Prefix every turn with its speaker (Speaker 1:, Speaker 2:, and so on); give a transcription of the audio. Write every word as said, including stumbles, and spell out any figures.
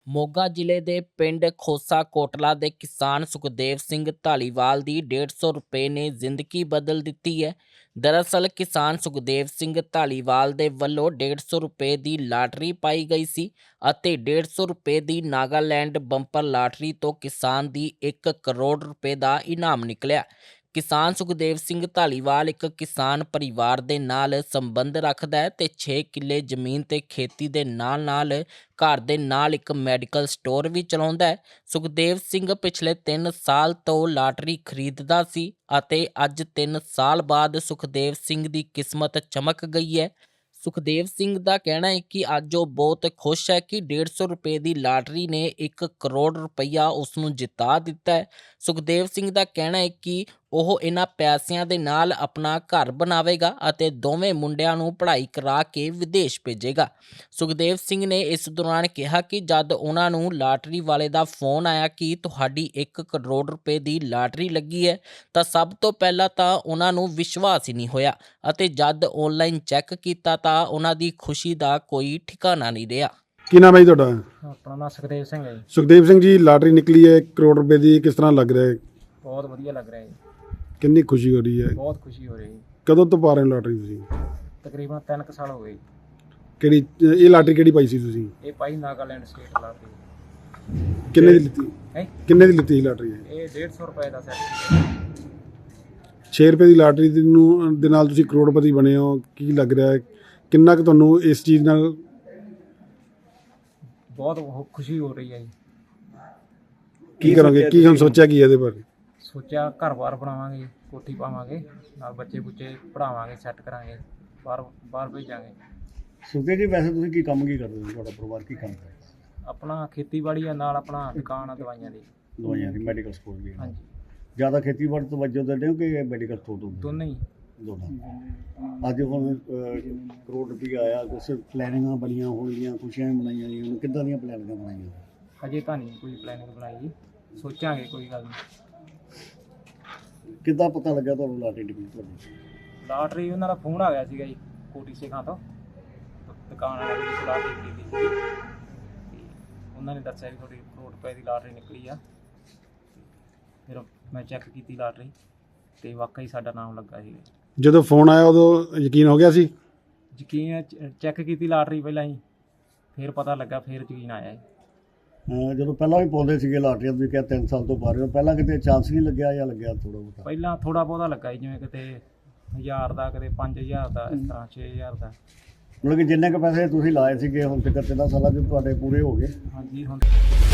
Speaker 1: ਮੋਗਾ ਜ਼ਿਲ੍ਹੇ ਦੇ ਪਿੰਡ ਖੋਸਾ ਕੋਟਲਾ ਦੇ ਕਿਸਾਨ ਸੁਖਦੇਵ ਸਿੰਘ ਧਾਲੀਵਾਲ ਦੀ ਡੇਢ ਸੌ ਰੁਪਏ ਨੇ ਜ਼ਿੰਦਗੀ ਬਦਲ ਦਿੱਤੀ ਹੈ। ਦਰਅਸਲ ਕਿਸਾਨ ਸੁਖਦੇਵ ਸਿੰਘ ਧਾਲੀਵਾਲ ਦੇ ਵੱਲੋਂ ਡੇਢ ਸੌ ਰੁਪਏ ਦੀ ਲਾਟਰੀ ਪਾਈ ਗਈ ਸੀ ਅਤੇ ਡੇਢ ਸੌ ਰੁਪਏ ਦੀ ਨਾਗਾਲੈਂਡ ਬੰਪਰ ਲਾਟਰੀ ਤੋਂ ਕਿਸਾਨ ਦੀ ਇੱਕ ਕਰੋੜ ਰੁਪਏ ਦਾ ਇਨਾਮ ਨਿਕਲਿਆ। ਕਿਸਾਨ ਸੁਖਦੇਵ ਸਿੰਘ ਧਾਲੀਵਾਲ ਇੱਕ ਕਿਸਾਨ ਪਰਿਵਾਰ ਦੇ ਨਾਲ ਸੰਬੰਧ ਰੱਖਦਾ ਹੈ ਤੇ ਛੇ ਕਿੱਲੇ ਜ਼ਮੀਨ ਤੇ ਖੇਤੀ ਦੇ ਨਾਲ ਨਾਲ ਘਰ ਦੇ ਨਾਲ ਇੱਕ ਮੈਡੀਕਲ ਸਟੋਰ ਵੀ ਚਲਾਉਂਦਾ ਹੈ। ਸੁਖਦੇਵ ਸਿੰਘ ਪਿਛਲੇ ਤਿੰਨ ਸਾਲ ਤੋਂ ਲਾਟਰੀ ਖਰੀਦਦਾ ਸੀ ਅਤੇ ਅੱਜ ਤਿੰਨ ਸਾਲ ਬਾਅਦ ਸੁਖਦੇਵ ਸਿੰਘ ਦੀ ਕਿਸਮਤ ਚਮਕ ਗਈ ਹੈ। ਸੁਖਦੇਵ ਸਿੰਘ ਦਾ ਕਹਿਣਾ ਹੈ ਕਿ ਅੱਜ ਉਹ ਬਹੁਤ ਖੁਸ਼ ਹੈ ਕਿ ਡੇਢ ਸੌ ਰੁਪਏ ਦੀ ਲਾਟਰੀ ਨੇ ਇੱਕ ਕਰੋੜ ਰੁਪਈਆ ਉਸ ਨੂੰ ਜਿਤਾ ਦਿੱਤਾ ਹੈ। ਸੁਖਦੇਵ ਸਿੰਘ ਦਾ ਕਹਿਣਾ ਹੈ ਕਿ ਉਹ ਇਹਨਾਂ ਪੈਸਿਆਂ ਦੇ ਨਾਲ ਆਪਣਾ ਘਰ ਬਣਾਵੇਗਾ ਅਤੇ ਦੋਵੇਂ ਮੁੰਡਿਆਂ ਨੂੰ ਪੜ੍ਹਾਈ ਕਰਾ ਕੇ ਵਿਦੇਸ਼ ਭੇਜੇਗਾ। ਸੁਖਦੇਵ ਸਿੰਘ ਨੇ ਇਸ ਦੌਰਾਨ ਕਿਹਾ ਕਿ ਜਦ ਉਹਨਾਂ ਨੂੰ ਲਾਟਰੀ ਵਾਲੇ ਦਾ ਫੋਨ ਆਇਆ ਕਿ ਤੁਹਾਡੀ ਇੱਕ ਕਰੋੜ ਰੁਪਏ ਦੀ ਲਾਟਰੀ ਲੱਗੀ ਹੈ ਤਾਂ ਸਭ ਤੋਂ ਪਹਿਲਾਂ ਤਾਂ ਉਹਨਾਂ ਨੂੰ ਵਿਸ਼ਵਾਸ ਹੀ ਨਹੀਂ ਹੋਇਆ ਅਤੇ ਜਦ ਆਨਲਾਈਨ ਚੈੱਕ ਕੀਤਾ ਤਾਂ ਉਹਨਾਂ ਦੀ ਖੁਸ਼ੀ ਦਾ ਕੋਈ ਠਿਕਾਣਾ ਨਹੀਂ ਰਿਹਾ।
Speaker 2: ਕੀ ਨਾਮ ਹੈ ਜੀ ਤੁਹਾਡਾ?
Speaker 3: ਆਪਣਾ ਨਾਮ ਸੁਖਦੇਵ ਸਿੰਘ ਹੈ ਜੀ।
Speaker 2: ਸੁਖਦੇਵ ਸਿੰਘ ਜੀ, ਲਾਟਰੀ ਨਿਕਲੀ ਹੈ ਇੱਕ ਕਰੋੜ ਰੁਪਏ ਦੀ, ਕਿਸ ਤਰ੍ਹਾਂ ਲੱਗ ਰਿਹਾ ਹੈ?
Speaker 3: ਬਹੁਤ ਵਧੀਆ ਲੱਗ ਰਿਹਾ ਜੀ।
Speaker 2: ਕਿੰਨੀ ਖੁਸ਼ੀ ਹੋ ਰਹੀ ਹੈ?
Speaker 3: ਬਹੁਤ ਖੁਸ਼ੀ ਹੋ ਰਹੀ ਹੈ।
Speaker 2: ਕਦੋਂ ਤੋਂ ਪਾ ਰਹੇ ਹੋ ਲਾਟਰੀ ਤੁਸੀਂ?
Speaker 3: ਤਕਰੀਬਨ ਤਿੰਨ ਕੁ ਸਾਲ ਹੋ ਗਏ ਜੀ।
Speaker 2: ਕਿਹੜੀ ਇਹ ਲਾਟਰੀ ਕਿਹੜੀ ਪਾਈ ਸੀ ਤੁਸੀਂ?
Speaker 3: ਇਹ ਪਾਈ ਨਾਗਾਲੈਂਡ ਸਟੇਟ ਲਾਟਰੀ।
Speaker 2: ਕਿੰਨੇ ਦੀ ਲਿੱਤੀ?
Speaker 3: ਹੈ
Speaker 2: ਕਿੰਨੇ ਦੀ ਲਿੱਤੀ ਸੀ ਲਾਟਰੀ?
Speaker 3: ਇਹ ਡੇਢ ਸੌ ਰੁਪਏ ਦਾ ਸੈੱਟ।
Speaker 2: ਛੇ ਰੁਪਏ ਦੀ ਲਾਟਰੀ ਦੇ ਨੂੰ ਦੇ ਨਾਲ ਤੁਸੀਂ ਕਰੋੜਪਤੀ ਬਣੇ ਹੋ। ਕੀ ਲੱਗ ਰਿਹਾ ਹੈ, ਕਿੰਨਾ ਕੁ ਤੁਹਾਨੂੰ ਇਸ ਚੀਜ਼ ਨਾਲ?
Speaker 3: ਬਹੁਤ ਖੁਸ਼ੀ ਹੋ ਰਹੀ ਹੈ ਜੀ।
Speaker 2: ਕੀ ਕਰੋਗੇ, ਕੀ ਹੁਣ ਸੋਚਿਆ ਕੀ ਇਹਦੇ ਬਾਰੇ?
Speaker 3: ਸੋਚਿਆ ਘਰ-ਬਾਰ ਬਣਾਵਾਂਗੇ, ਕੋਠੀ ਪਾਵਾਂਗੇ, ਨਾਲ ਬੱਚੇ ਬੁੱਚੇ ਪੜ੍ਹਾਵਾਂਗੇ, ਸੈੱਟ ਕਰਾਂਗੇ, ਬਾਹਰ ਬਾਹਰ ਭੇਜਾਂਗੇ।
Speaker 4: ਸੁਖਦੇਵ ਜੀ, ਵੈਸੇ ਤੁਸੀਂ ਕੀ ਕੰਮ ਕੀ ਕਰਦੇ ਹੋ? ਤੁਹਾਡਾ ਪਰਿਵਾਰ ਕੀ ਕੰਮ ਕਰਦਾ?
Speaker 3: ਆਪਣਾ ਖੇਤੀਬਾੜੀ ਆ, ਨਾਲ ਆਪਣਾ ਦੁਕਾਨ ਆ ਦਵਾਈਆਂ ਦੀ।
Speaker 4: ਦਵਾਈਆਂ ਦੀ ਮੈਡੀਕਲ ਸਟੋਰ ਵੀ ਹੈ।
Speaker 3: ਹਾਂਜੀ,
Speaker 4: ਜ਼ਿਆਦਾ ਖੇਤੀਬਾੜੀ ਤੋਂ ਵਜੋਂ ਦਿੰਦੇ ਹੋ ਕਿ ਮੈਡੀਕਲ ਸਟੋਰ ਤੋਂ?
Speaker 3: ਦੋਨੇ ਹੀ।
Speaker 4: ਦੋਨਾਂ। ਅੱਜ ਹੁਣ ਅਹ, ਕਰੋੜ ਰੁਪਈਆ ਆਇਆ, ਕੁਛ ਪਲੈਨਿੰਗਾਂ ਬਣੀਆਂ ਹੋਣਗੀਆਂ, ਖੁਸ਼ੀਆਂ ਵੀ ਮਨਾਈਆਂ ਜੀ। ਹੁਣ ਕਿੱਦਾਂ ਦੀਆਂ ਪਲੈਨਿੰਗਾਂ ਬਣਾਈਆਂ?
Speaker 3: ਹਜੇ ਤਾਂ ਨਹੀਂ ਕੋਈ ਪਲੈਨਿੰਗ ਬਣਾਈ ਜੀ, ਸੋਚਾਂਗੇ, ਕੋਈ ਗੱਲ ਨਹੀਂ।
Speaker 4: ਕਿੱਦਾਂ ਪਤਾ ਲੱਗਿਆ ਤੁਹਾਨੂੰ ਲਾਟਰੀ ਨਿਕਲੀ ਤੁਹਾਡੀ?
Speaker 3: ਲਾਟਰੀ ਉਹਨਾਂ ਦਾ ਫੋਨ ਆ ਗਿਆ ਸੀਗਾ ਜੀ, ਕੋਟੀ ਸਿੰਘਾਂ ਤੋਂ, ਦੁਕਾਨ ਵਾਲੇ ਦੀ ਲਾਟਰੀ ਖਰੀਦੀ ਸੀ। ਤੇ ਉਹਨਾਂ ਨੇ ਦੱਸਿਆ ਵੀ ਤੁਹਾਡੀ ਕਰੋੜ ਰੁਪਏ ਦੀ ਲਾਟਰੀ ਨਿਕਲੀ ਆ। ਫਿਰ ਮੈਂ ਚੈੱਕ ਕੀਤੀ ਲਾਟਰੀ ਤੇ ਵਾਕਈ ਸਾਡਾ ਨਾਮ ਲੱਗਾ ਸੀ।
Speaker 2: ਜਦੋਂ ਫੋਨ ਆਇਆ ਉਦੋਂ ਯਕੀਨ ਹੋ ਗਿਆ ਸੀ?
Speaker 3: ਯਕੀਨ ਚੈੱਕ ਕੀਤੀ ਲਾਟਰੀ ਪਹਿਲਾਂ ਹੀ, ਫਿਰ ਪਤਾ ਲੱਗਾ, ਫਿਰ ਯਕੀਨ ਆਇਆ ਜੀ।
Speaker 4: ਅਹ, ਜਦੋਂ ਪਹਿਲਾਂ ਵੀ ਪਾਉਂਦੇ ਸੀਗੇ ਲਾਟਰੀਆਂ, ਤੁਸੀਂ ਕਿਹਾ ਤਿੰਨ ਸਾਲ ਤੋਂ ਪਾ ਰਹੇ ਹੋ, ਪਹਿਲਾਂ ਕਿਤੇ ਚਾਂਸ ਨਹੀਂ ਲੱਗਿਆ ਜਾਂ ਲੱਗਿਆ ਥੋੜ੍ਹਾ ਬਹੁਤਾ?
Speaker 3: ਪਹਿਲਾਂ ਥੋੜ੍ਹਾ ਬਹੁਤਾ ਲੱਗਾ ਜੀ, ਜਿਵੇਂ ਕਿਤੇ ਹਜ਼ਾਰ ਦਾ, ਕਿਤੇ ਪੰਜ ਹਜ਼ਾਰ ਦਾ, ਇਸ ਤਰ੍ਹਾਂ ਛੇ ਹਜ਼ਾਰ ਦਾ।
Speaker 4: ਮਤਲਬ ਕਿ ਜਿੰਨੇ ਕੁ ਪੈਸੇ ਤੁਸੀਂ ਲਾਏ ਸੀਗੇ ਹੁਣ ਤੱਕ ਤਿੰਨਾਂ ਸਾਲਾਂ 'ਚ ਤੁਹਾਡੇ ਪੂਰੇ ਹੋ ਗਏ?
Speaker 3: ਹਾਂਜੀ, ਹੁਣ